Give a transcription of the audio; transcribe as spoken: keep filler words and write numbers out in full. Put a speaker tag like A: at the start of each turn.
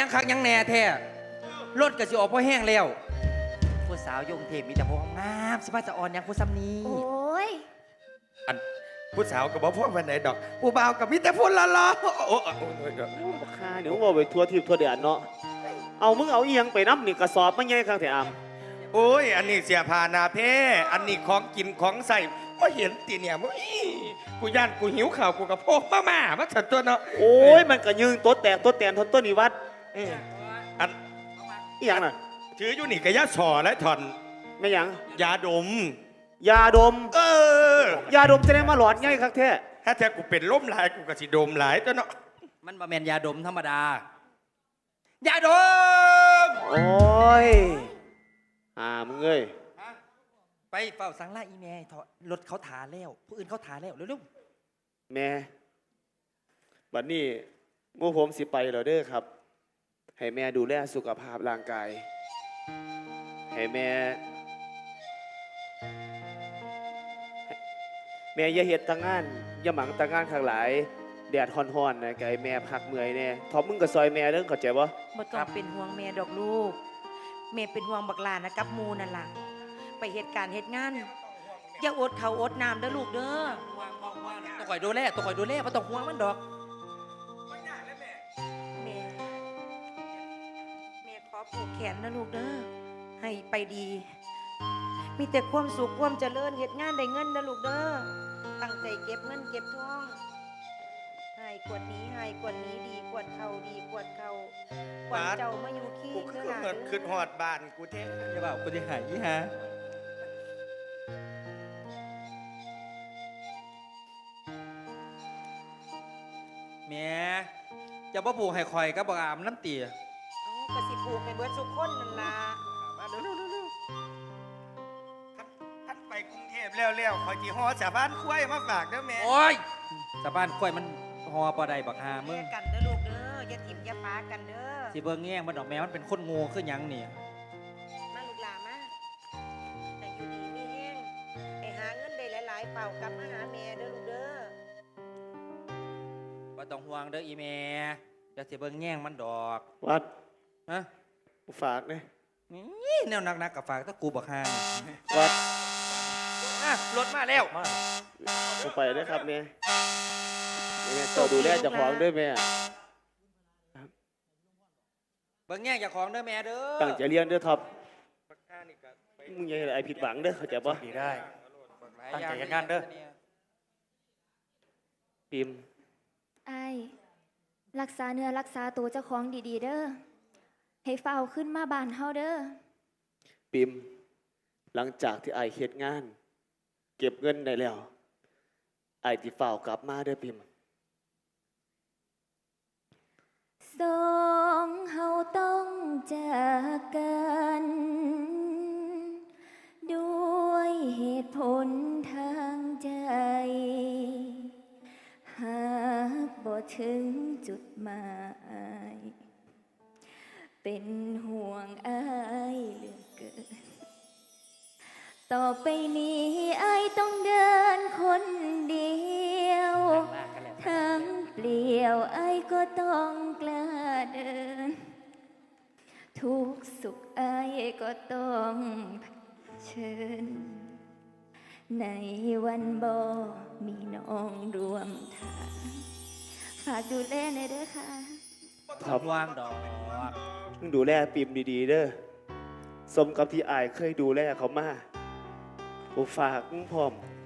A: ยังคักยังแน่แท้รถก็สิออกพอแห้งแล้วผู้สาวยงเทพมีแต่พวกงามสิมาจะอ่อนยังผู้ซ้ำนี้
B: โอ้ย
C: อันผู้สาวกับบ่พวกวันไหนดอกผู้บ่าวกับมิแต่พูดละล้อโอ้โห
D: บักค่าเดี๋ยวว่าไปทัวทิพย์ทัวเดือนเนาะเอามึงเอาอีหยังไปน้ำนี่กระสอบมาใหญ่ข้างแถวอาม
C: โอ้ยอันนี้เสียพานาเพ่อันนี้ของกินของใส่ก็เห็นตีเนี่ยมึงกูย่านกูหิวข่าวกูกับพวกมาม่ามาถัดตัวเนาะ
D: โอ้ยมันก็ยืงตัวแตกตัวแตนทนต้นนิวัด
C: อัน
D: อีหยังน่ะ
C: ถืออยู่นี่กะยาสอและถอน
D: ไม่หยัง
C: ยาดม
D: ยาดม
C: เอ
D: อยาดมจะได้มาหลอดง่ายครับแท้
C: ถ้าแท้กูเป็นล้มหลายกูก็สิดมหลายตัวเนาะ
A: มันบ่แม่นยาดมธรรมดายาดม
D: โอ้ยอ่ามึงเอ้ย
A: ไปเฝ้าสังล่าอีแม่รถเขาถาแล้วผู้อื่นเขาถาแล้วเร็ว
D: ๆแม่บัดนี้หมู่ผมสิไปแล้วเด้อครับให้แม่ดูแลสุขภาพร่างกายให้แม่แม่อย่าเฮ็ดตางงานอย่าหมั่งตางงานข้างหลายแดดฮ้อนๆนะไก่แม่พักเมื่อยแน่ทอมมึงก็ซอยแม่เด้อเข้าใจบ่
B: บ่ต้องเป็นห่วงแม่ดอกลูกแม่เป็นห่วงบักหลานนะกับมูนั่นล่ะไปเหตุการณ์เหตุงานอย่าอดเขาอดน้ำเด้อลูกเด้อ
A: ตัวข่อยดูแลตัวข่อยดูแลบ่ต้องห่วงมันดอก
B: แม่แม่ขอผูกแขนนะลูกเด้อให้ไปดีมีแต่ความสุขความเจริญเหตุงานได้เงินนะลูกเด้อตั้งใจเก็บเงินเก็บทองให้กวดนี้ให้กวดนี้ดีกวดเขาดีกวดเขากวดเจ้ามาอยู่ขี้
C: กูคือเหมือนขึ้นหอดบ้านกูเท่
A: อย่าบอกกูจะหายยี่ฮะแม่จะบ่ผูกให้คอยกับบ่อามน้ำเตี๋ย
B: กระสิผูกให้เบิดสุกคนนั่นล่ะ
C: มาเร็วๆๆท่านไปกรุงเทพแล้วๆคอยจีฮอสาบ้านคุ้ยมาฝากเด้อแม่
A: โอ้ยสาบ้านคุ้ยมันฮอปอใดบักฮามึง
B: กันเด้อลูกเด้ออย่าถิ่มอย่าปากันเด้อ
A: สิเบิ่งแง่มันดอกแมวมันเป็นคนงูขึ้นยังนี่
B: มาลูกหลานมาแต่อยู่ดีมีแห้งไปหาเงินได้หลายๆเป่ากลับมาหาแม่เด้อลูกเด้อ
A: บ่ต้องห่วงเด้ออีแม่จะสิเบิ่งแง่งมันดอก
D: วัด
A: ฮะ
D: กูฝากเนี่ย
A: นี่แนวนักๆกับฝากตะกูบักฮา
D: วัด
A: รถมาแล้ว
D: กูไปด้วยครับแม่แม่ต่อดูแลเจ้าของด้วยแม่
A: เบิ่งแง่งเจ้าของเด้อแม่เด้อ
D: ตั้งใจเรียนเด้อท็อปมึงอย่าให้ไอผิดหวังเด้อเข้าใจป่ะ
E: ดีได้ตั้งใจงานเด้อ
D: ปิม
F: ไอ้รักษาเนื้อรักษาตัวเจ้าของดีๆเด้อให้เฝ้าขึ้นมาบ้านเฮาเด้อ
D: ปิมหลังจากที่ไอเฮ็ดงานเก็บเงินได้แล้วไอที่เฝ้ากลับมาเด้อปิม
F: สองเฮาต้องจากกันด้วยเหตุผลทางใจหากบ่ถึงจุดหมายเป็นห่วงอ้ายเหลือเกินต่อไปนี้อ้ายต้องเดินคนเดียวทั้งเปลี่ยวอ้ายก็ต้องกล้าเดินทุกสุขอ้ายก็ต้องเชิญในวันบ่มีน้องรวมทางฝากดูแลหน่อยเด้อค่ะ
A: ทับวางดอก
D: มึงดูแลปิมดีๆเด้อสมกับที่อายเคยดูแลเขามากูฝากมึงพร้อม